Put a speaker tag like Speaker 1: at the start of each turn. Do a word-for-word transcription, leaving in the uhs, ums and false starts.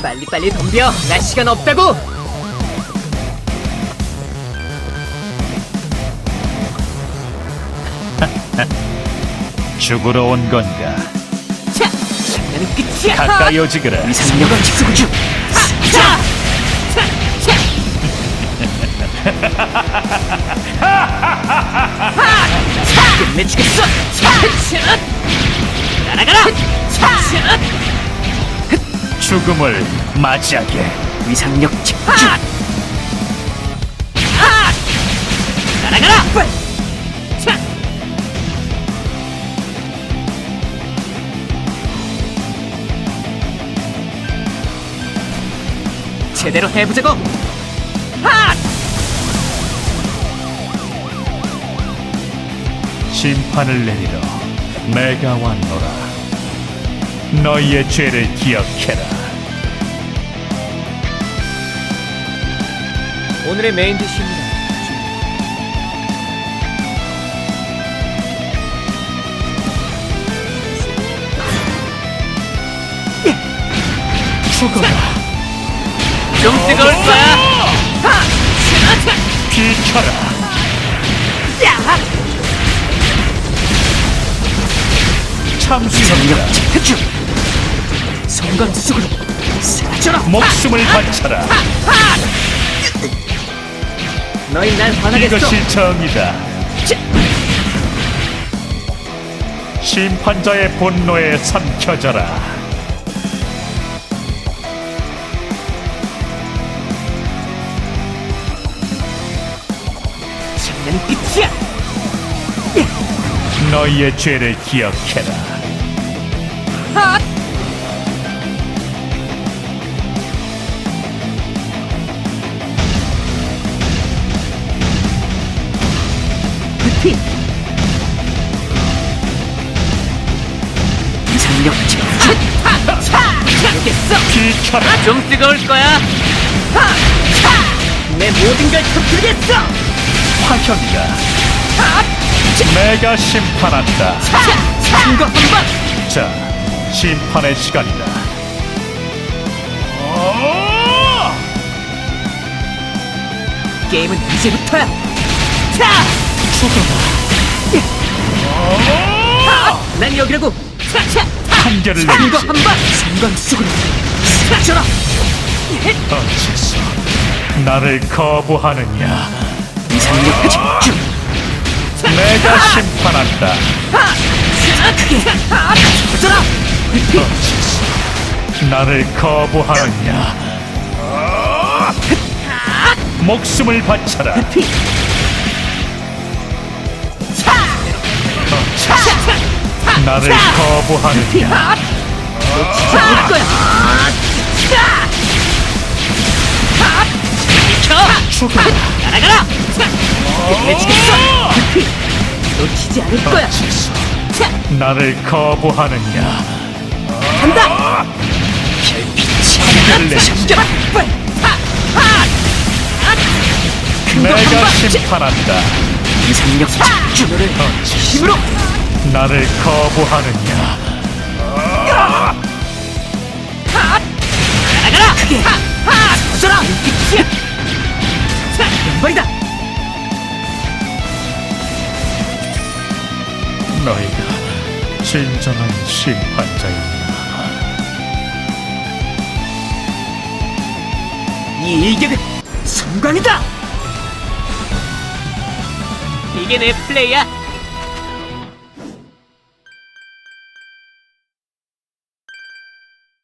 Speaker 1: 빨리빨리 덤벼. 나 시간 없다고.
Speaker 2: 죽으러 온 건가?
Speaker 1: 자, 장난은 끝이야.
Speaker 2: 가까이 오지그라.
Speaker 1: 위상력을 직수구주. 자, 자, 자. 끝내주겠어. 자, 자. 날아가라. 자, 자.
Speaker 2: 죽음을 맞이하게.
Speaker 1: 위상력 직수구주. 날아가라. 자. 제대로 해보자고. 하!
Speaker 2: 심판을 내리러 내가 왔노라. 너희의 죄를 기억해라.
Speaker 1: 오늘의 메인 디쉬입니다.
Speaker 2: 죽어라.
Speaker 1: 좀 뜨거울 거야. 하!
Speaker 2: 비켜라.
Speaker 1: 야!
Speaker 2: 참수형이라.
Speaker 1: 체크주. 성관수속으로 사라져라.
Speaker 2: 목숨을 바쳐라.
Speaker 1: 너희 날 화나겠어.
Speaker 2: 이것이 정의다.
Speaker 1: 자,
Speaker 2: 심판자의 분노에 삼켜져라.
Speaker 1: 장난은 끝이야.
Speaker 2: 너희의 죄를 기억해라.
Speaker 1: 하! 피. 위상력 직수. 알겠어.
Speaker 2: 비켜라.
Speaker 1: 좀 뜨거울 거야. 내 모든 걸 터뜨리겠어.
Speaker 2: 화형이다. 내가 심판한다.
Speaker 1: 큰거 한 방.
Speaker 2: 자, 심판의 시간이다. 어!
Speaker 1: 게임은 이제부터야. 자,
Speaker 2: 죽어라. 어!
Speaker 1: 난 여기라고. 자, 자.
Speaker 2: 판결을
Speaker 1: 큰거
Speaker 2: 내리지.
Speaker 1: 한 방. 상관수속으로 사라져라.
Speaker 2: 어째서 나를 거부하느냐?
Speaker 1: 위상력 집중.
Speaker 2: 내가 심판한다.
Speaker 1: 터져라.
Speaker 2: 어째서 나를 거부하느냐? 목숨을 바쳐라. 어째서 나를 거부하느냐?
Speaker 1: 놓치지 않을 거야. 비켜.
Speaker 2: 죽어라.
Speaker 1: 날아가라. 끝내주겠어. 놓치지 않을 거야.
Speaker 2: 어째서
Speaker 1: 자,
Speaker 2: 나를 거부하느냐?
Speaker 1: 간다.
Speaker 2: 판결을 내리지.
Speaker 1: 숨겨라. 빨리. 하, 하. 큰거 한
Speaker 2: 내가
Speaker 1: 방.
Speaker 2: 심판한다.
Speaker 1: 위상력 집중을 힘으로.
Speaker 2: 나를 거부하느냐?
Speaker 1: 날아가라. 크게. 하, 하. 터져라. 빛이야. 자, 연발이다.
Speaker 2: 너희가 진정한 심판자였나?
Speaker 1: 이 일격은 성광이다. 이게 내 플레이야.